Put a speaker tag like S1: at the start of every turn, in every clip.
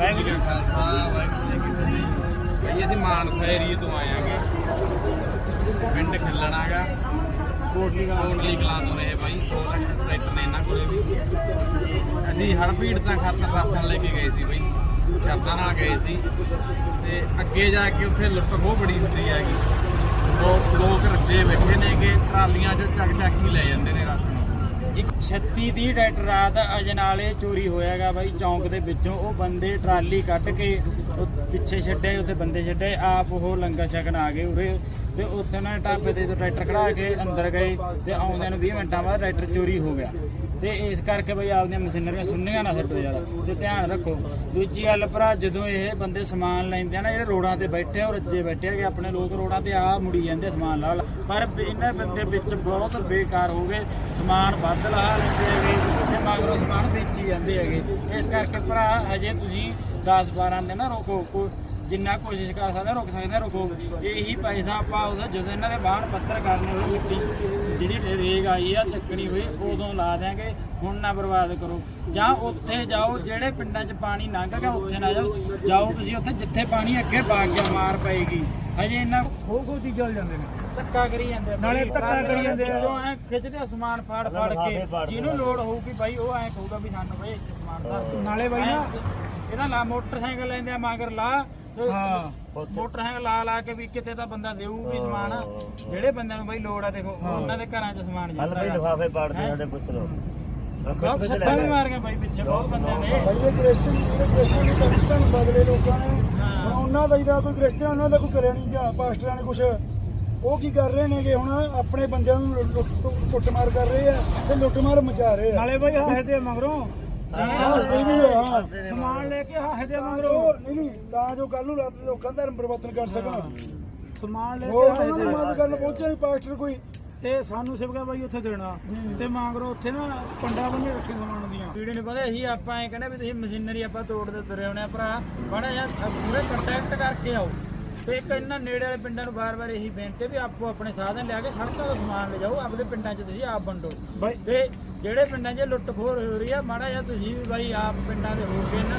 S1: ਵਾਹਿਗੁਰੂ ਜੀ ਕਾ ਖਾਲਸਾ ਵਾਹਿਗੁਰੂ ਜੀ ਕੀ ਫਤਿਹ। ਭਾਈ ਅਸੀਂ ਮਾਨਸਾ ਏਰੀਏ ਤੋਂ ਆਏ ਆਂਗੇ, ਪਿੰਡ ਖਿੱਲਣਾਗਾ, ਕੋਟਲੀ ਕਲਾਂ ਤੋਂ ਰਹੇ ਭਾਈ। 2 ਲੱਖ ਟਰੈਕਟਰ ਨੇ ਇਹਨਾਂ ਕੋਲੇ ਵੀ। ਅਸੀਂ ਹੜ੍ਹ ਪੀੜਤਾਂ ਖਾਤਰ ਰਾਸ਼ਨ ਲੈ ਕੇ ਗਏ ਸੀ ਭਾਈ, ਸ਼ਰਤਾਂ ਨਾਲ ਗਏ ਸੀ। ਤੇ ਅੱਗੇ ਜਾ ਕੇ ਉੱਥੇ ਲੁੱਟ ਬਹੁਤ ਬੜੀ ਹੁੰਦੀ ਹੈਗੀ। ਲੋਕ ਰੱਜੇ ਬੈਠੇ ਨੇਗੇ, ਟਰਾਲੀਆਂ 'ਚੋਂ ਚੱਕ ਹੀ ਲੈ ਜਾਂਦੇ ਨੇ ਰਾਸ਼ਨ।
S2: ਇੱਕ 36-30 ਟਰੈਕਟਰ ਰਾਤ ਅਜਨਾਲੇ ਚੋਰੀ ਹੋਇਆਗਾ ਬਾਈ ਚੌਂਕ ਦੇ ਵਿੱਚੋਂ। ਉਹ ਬੰਦੇ ਟਰਾਲੀ ਕੱਢ ਕੇ ਪਿੱਛੇ ਛੱਡੇ, ਉੱਥੇ ਬੰਦੇ ਛੱਡੇ, ਆਪ ਉਹ ਲੰਗਰ ਛਕਣ ਆ ਗਏ ਉਰੇ। ਤੇ ਉੱਥੇ ਉਹਨਾਂ ਨੇ ਢਾਬੇ ਤੇ ਟਰੈਕਟਰ ਖੜਾ ਕੇ ਅੰਦਰ ਗਏ ਤੇ ਆਉਂਦਿਆਂ ਨੂੰ 20 ਮਿੰਟਾਂ ਬਾਅਦ ਟਰੈਕਟਰ ਚੋਰੀ ਹੋ ਗਿਆ। ਤੇ ਇਸ ਕਰਕੇ ਬਈ ਆਪਦੀਆਂ ਮਸ਼ੀਨਰੀਆਂ ਸੁੰਨੀਆਂ ਨਾ ਛੱਡੋ ਯਾਰ, ਤੇ ਧਿਆਨ ਰੱਖੋ। ਦੂਜੀ ਗੱਲ ਭਰਾ, ਜਦੋਂ ਇਹ ਬੰਦੇ ਸਮਾਨ ਲੈਂਦੇ ਆ ਨਾ, ਜਿਹੜੇ ਰੋਡਾਂ ਤੇ ਬੈਠੇ ਉਹ ਰੱਜੇ ਬੈਠੇ ਹੈਗੇ ਆਪਣੇ ਲੋਕ, ਰੋਡਾਂ ਤੇ ਆ ਮੁੜੀ ਜਾਂਦੇ ਸਮਾਨ ਲਾ। ਪਰ ਇਹਨਾਂ ਬੰਦੇ ਵਿੱਚ ਬਹੁਤ ਬੇਕਾਰ ਹੋ ਗਏ, ਸਮਾਨ ਵੱਧ ਲਾ ਲੈਂਦੇ ਹੈਗੇ ਤੇ ਮਗਰੋਂ ਸਮਾਨ ਵੇਚੀ ਜਾਂਦੇ ਹੈਗੇ। ਇਸ ਕਰਕੇ ਭਰਾ ਹਜੇ ਤੁਸੀਂ 10-12 ਦਿਨ ਨਾ ਰੋਕੋ, ਜਿੰਨਾ ਕੋਸ਼ਿਸ਼ ਕਰ ਸਕਦੇ ਰੁਕ ਸਕਦੇ ਰੁਕੋ। ਇਹੀ ਪੈਸਾ ਆਪਾਂ ਉਹਦਾ ਜਦੋਂ ਇਹਨਾਂ ਦੇ ਬਾਹਰ ਪੱਤਰ ਕਰਨੇ ਹੋਏ, ਮਿੱਟੀ ਜਿਹੜੀ ਰੇਗ ਆਈ ਆ ਚੱਕਣੀ ਹੋਈ, ਉਦੋਂ ਲਾ ਦਿਆਂਗੇ। ਹੁਣ ਨਾ ਬਰਬਾਦ ਕਰੋ। ਜਾਂ ਉੱਥੇ ਜਾਓ ਜਿਹੜੇ ਪਿੰਡਾਂ 'ਚ ਪਾਣੀ ਲੰਘ ਗਿਆ, ਉੱਥੇ ਨਾ ਜਾਓ ਤੁਸੀਂ ਉੱਥੇ ਜਿੱਥੇ ਪਾਣੀ ਅੱਗੇ ਵਗ ਗਿਆ, ਮਾਰ ਪਏਗੀ। ਹਜੇ ਇਹਨਾਂ ਖੋ ਚੀਜ਼ਾਂ ਚੱਲ ਜਾਂਦੇ ਨੇ, ਧੱਕਾ ਕਰੀ ਜਾਂਦੇ, ਨਾਲੇ ਧੱਕਾ ਕਰੀ ਜਾਂਦੇ ਐ, ਖਿੱਚਦੇ ਸਮਾਨ ਫਾੜ ਕੇ। ਜਿਹਨੂੰ ਲੋੜ ਹੋਊਗੀ ਬਾਈ ਉਹ ਐਂ ਕਹੂਗਾ ਵੀ ਸਾਨੂੰ ਬਈ ਸਮਾਨ ਦਾ। ਨਾਲੇ ਬਾਈ ਨਾ ਇਹਦਾ ਲਾ ਮੋਟਰਸਾਈਕਲ ਲੈਂਦੇ ਆ ਮਗਰ ਲਾ, ਮੋਟਰਸਾਈਕਲ ਲਾ ਕੇ ਵੀ ਕਿਤੇ ਤਾਂ ਬੰਦਾ ਦੇਊ ਵੀ ਸਮਾਨ। ਜਿਹੜੇ ਬੰਦਿਆਂ ਨੂੰ ਬਾਈ ਲੋੜ ਆ, ਦੇਖੋ ਉਹਨਾਂ ਦੇ ਘਰਾਂ 'ਚ ਸਮਾਨ ਜਾਂਦਾ।
S3: ਲਿਫਾਫੇ ਪਾੜਦੇ ਸਾਡੇ ਪੁੱਛ ਲਓ,
S2: ਸੱਟਾਂ ਵੀ ਮਾਰ ਗਏ ਬਾਈ ਪਿੱਛੇ ਬਹੁਤ ਬੰਦਿਆਂ ਨੇ।
S4: ਬਦਲੇ ਲੋਕਾਂ ਨੇ ਉਹਨਾਂ ਦਾ ਜਿਹੜਾ ਕੋਈ ਕ੍ਰਿਸਚਨ ਉਹਨਾਂ ਦਾ ਕੋਈ ਕਰਿਆ ਨਹੀਂ ਜਾਂ ਪਾਸਟਰਾਂ ਨੇ ਕੁਛ। ਉਹ ਕੀ ਕਰ ਰਹੇ ਨੇਗੇ ਹੁਣ, ਆਪਣੇ ਬੰਦਿਆਂ ਨੂੰ ਕੁੱਟਮਾਰ ਕਰ ਰਹੇ ਆ ਤੇ ਲੁੱਟਮਾਰ ਮਚਾ ਰਹੇ ਆ।
S2: ਨਾਲੇ ਬਾਈ ਹਾਹੇ ਦੇ ਮਗਰੋਂ ਸਮਾਨ ਲੈ ਕੇ ਹਾਹੇ ਦੇ ਮਗਰੋਂ
S4: ਨਹੀਂ ਤਾਂ ਜੋ ਕੱਲ ਨੂੰ ਲੋਕਾਂ ਦਾ ਧਰਮ ਪਰਿਵਰਤਨ ਕਰ ਸਕਣ।
S2: ਸਮਾਨ ਲੈ
S4: ਹੋਰ
S2: ਕੇ
S4: ਉਹਨਾਂ ਨੂੰ ਗੱਲ ਪਹੁੰਚਿਆ ਨਹੀਂ ਪਾਸਟਰ ਕੋਈ।
S2: ਤੇ ਸਾਨੂੰ ਸਿਵਕਾ ਬਾਈ ਉੱਥੇ ਦੇਣਾ ਤੇ ਮਗਰੋਂ ਉੱਥੇ ਨਾ ਪੰਡਾ ਬੰਨੇ ਰੱਖੇ ਸਮਾਨ ਦੀਆਂ। ਵੀਡੀਓ ਨਹੀਂ ਪਤਾ ਅਸੀਂ ਆਪਾਂ ਐ ਕਹਿੰਦੇ ਵੀ ਤੁਸੀਂ ਮਸ਼ੀਨਰੀ ਆਪਾਂ ਤੋੜਦੇ ਤੁਰੇ ਆਉਣੇ ਆ ਭਰਾ। ਬੜਾ ਯਾਰ ਪੂਰੇ ਕੰਟੈਕਟ ਕਰਕੇ ਆਓ। ਤੇ ਇੱਕ ਇਹਨਾਂ ਨੇੜੇ ਵਾਲੇ ਪਿੰਡਾਂ ਨੂੰ ਵਾਰ-ਵਾਰ ਇਹੀ ਬੇਨਤੀ ਵੀ ਆਪੋ ਆਪਣੇ ਸਾਧਨ ਲਿਆ ਕੇ ਸੜਕਾਂ ਤੋਂ ਸਮਾਨ ਲਿਜਾਓ, ਆਪਣੇ ਪਿੰਡਾਂ 'ਚ ਤੁਸੀਂ ਆਪ ਵੰਡੋ। ਤੇ ਜਿਹੜੇ ਪਿੰਡਾਂ 'ਚ ਲੁੱਟ ਖੋਰ ਹੋ ਰਹੀ ਆ, ਮਾੜਾ ਜਿਹਾ ਤੁਸੀਂ ਵੀ ਬਾਈ ਆਪ ਪਿੰਡਾਂ ਦੇ ਹੋ ਕੇ ਇਹਨਾਂ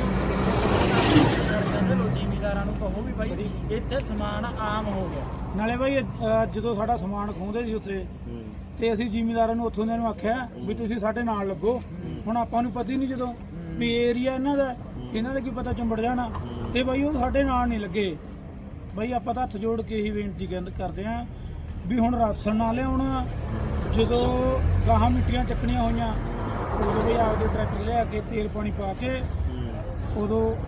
S2: ਨੂੰ ਜ਼ਿਮੀਦਾਰਾਂ ਨੂੰ ਕਹੋ ਵੀ ਬਾਈ ਇੱਥੇ ਸਮਾਨ ਆਮ ਹੋ ਗਿਆ। ਨਾਲੇ ਬਾਈ ਜਦੋਂ ਸਾਡਾ ਸਮਾਨ ਖੋਹਦੇ ਸੀ ਉੱਥੇ, ਤੇ ਅਸੀਂ ਜ਼ਿਮੀਦਾਰਾਂ ਨੂੰ ਉੱਥੋਂ ਦੇ ਨੂੰ ਆਖਿਆ ਵੀ ਤੁਸੀਂ ਸਾਡੇ ਨਾਲ ਲੱਗੋ। ਹੁਣ ਆਪਾਂ ਨੂੰ ਪਤਾ ਹੀ ਨਹੀਂ ਜਦੋਂ ਵੀ ਏਰੀਆ ਇਹਨਾਂ ਦਾ ਕੀ ਪਤਾ ਚੰਬੜ ਜਾਣਾ। ਤੇ ਬਾਈ ਉਹ ਸਾਡੇ ਨਾਲ ਨਹੀਂ ਲੱਗੇ। ਬਾਈ ਆਪਾਂ ਤਾਂ ਹੱਥ ਜੋੜ ਕੇ ਇਹੀ ਬੇਨਤੀ ਕਰਦੇ ਆਂ ਵੀ ਹੁਣ ਰਾਸ਼ਨ ਨਾ ਲਿਆਉਣਾ। ਜਦੋਂ ਗਾਹਾਂ ਮਿੱਟੀਆਂ ਚੱਕਣੀਆਂ ਹੋਈਆਂ ਉਦੋਂ ਵੀ ਆਪਦੇ ਟਰੈਕਟਰ ਲਿਆ ਕੇ ਤੇਲ ਪਾਣੀ ਪਾ ਕੇ ਉਦੋਂ